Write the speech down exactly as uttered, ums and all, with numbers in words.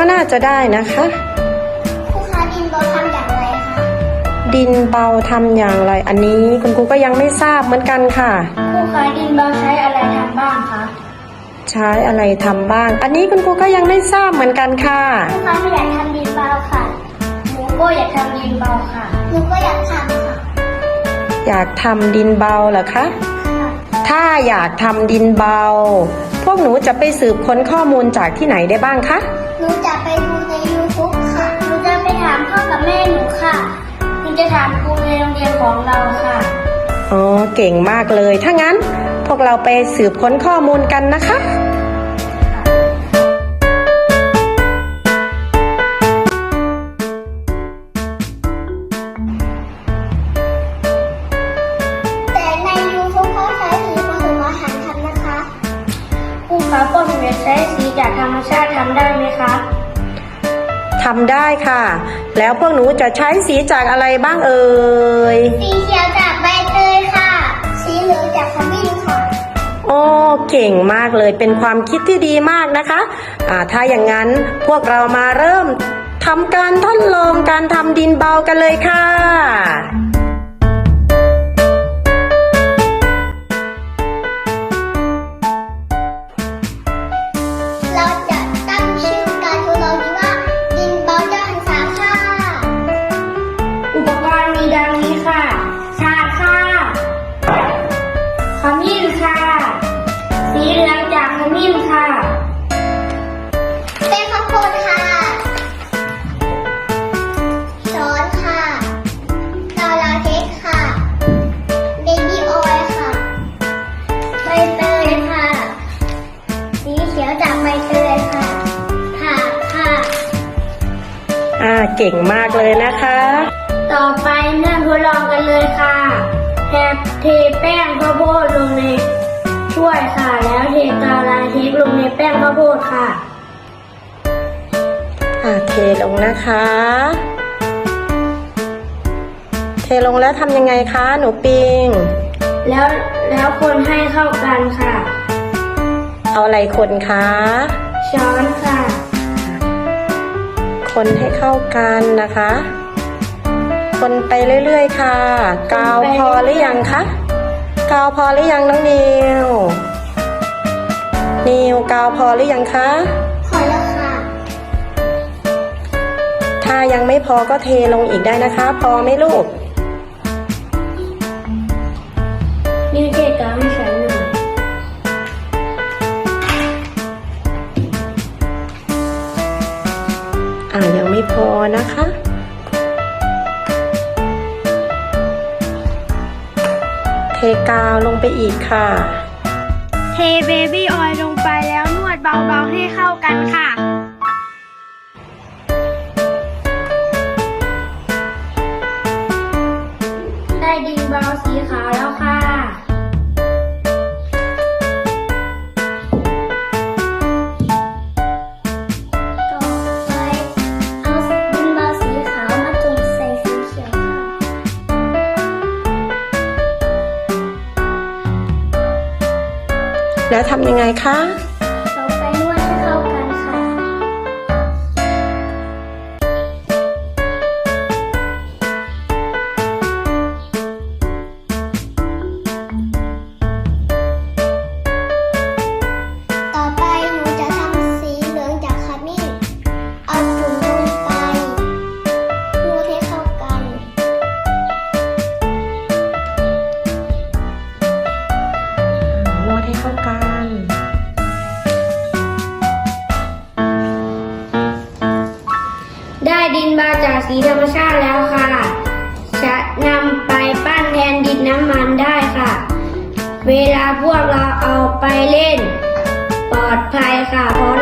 น่าจะได้นะคะครูคะดินเบาทำอย่างไรคะดินเบาทำอย่างไรอันนี้คุณครูก็ยังไม่ทราบเหมือนกันค่ะครูคะดินเบาใช้อะไรทำบ้างคะใช้อะไรทำบ้างอันนี้คุณครูก็ยังไม่ทราบเหมือนกันค่ะครูคะไม่อยากทำดินเบาค่ะหนูก็อยากทำดินเบาค่ะหนูก็อยากทำค่ะอยากทำดินเบาเหรอคะถ้าอยากทำดินเบาพวกหนูจะไปสืบค้นข้อมูลจากที่ไหนได้บ้างคะหนูจะไปดูใน ยูทูบ ค่ะหนูจะไปถามพ่อกับแม่หนูค่ะหนูจะถามครูในโรงเรียนของเราค่ะอ๋อเก่งมากเลยถ้างั้นพวกเราไปสืบค้นข้อมูลกันนะคะแต่ใน ยูทูบ เขาใช้สีผสมอาหารทำนะคะครูคะพวกหนูใช้สีจากธรรมชาติทำได้ไหมคะทำได้ค่ะแล้วพวกหนูจะใช้สีจากอะไรบ้างเอ่ยสีเขียวจากใบเตยค่ะสีเหลืองจากขมิ้นค่ะโอ้เก่งมากเลยเป็นความคิดที่ดีมากนะคะอ่าถ้าอย่างนั้นพวกเรามาเริ่มทำการทดลองการทำดินเบากันเลยค่ะเราจะตั้งชื่อการทดลองนี้ว่าดินเบาเจ้าหันษาค่ะอุปกรณ์มีดังนี้ค่ะชาค่ะขมิ้นค่ะสีเหลืองจากขมิ้นค่ะแป้งข้าวโพดค่ะช้อนค่ะกาวลาเทคค่ะเบบี้ออยล์ค่ะใบเตยค่ะสีเขียวจากใบเตยค่ะผักค่ะอ่าเก่งมากเลยนะคะต่อไปเริ่มทดลองกันเลยค่ะแทเทแป้งข้าวโพดลงในถ้วยค่ะแล้วเทกาวลาเทคลงในแป้งข้าวโพดค่ะอ่าเทลงนะคะเทลงแล้วทำยังไงคะหนูปิงแล้วแล้วคนให้เข้ากันค่ะเอาอะไรคนคะช้อนค่ะคนให้เข้ากันนะคะคนไปเรื่อยๆค่ะกาวพอหรือยังคะกาวพอหรือยังน้องนิวนิวกาวพอหรือยังคะพอแล้วค่ะถ้ายังไม่พอก็เทลงอีกได้นะคะพอไหมลูกนิวเทกาวให้ฉันหน่อยอ่ายังไม่พอนะคะเทกาวลงไปอีกค่ะเทเบบี้ออยล์ลงไปแล้วนวดเบาๆให้เข้ากันค่ะได้ดินเบาสีขาวแล้วค่ะต่อไปเอาดินเบาสีขาวมาจุ่มใส่สีเขียวค่ะแล้วทำยังไงคะต่อไปนวดให้เข้ากันค่ะต่อไปหนูจะทำสีเหลืองจากขมิ้นเอาจุ่มลงไปนวดให้เข้ากันนวดให้เข้ากันได้ดินเบาจากสีธรรมชาติแล้วค่ะจะนำไปปั้นแทนดินน้ำมันได้ค่ะเวลาพวกเราเอาไปเล่นปลอดภัยค่ะเพราะ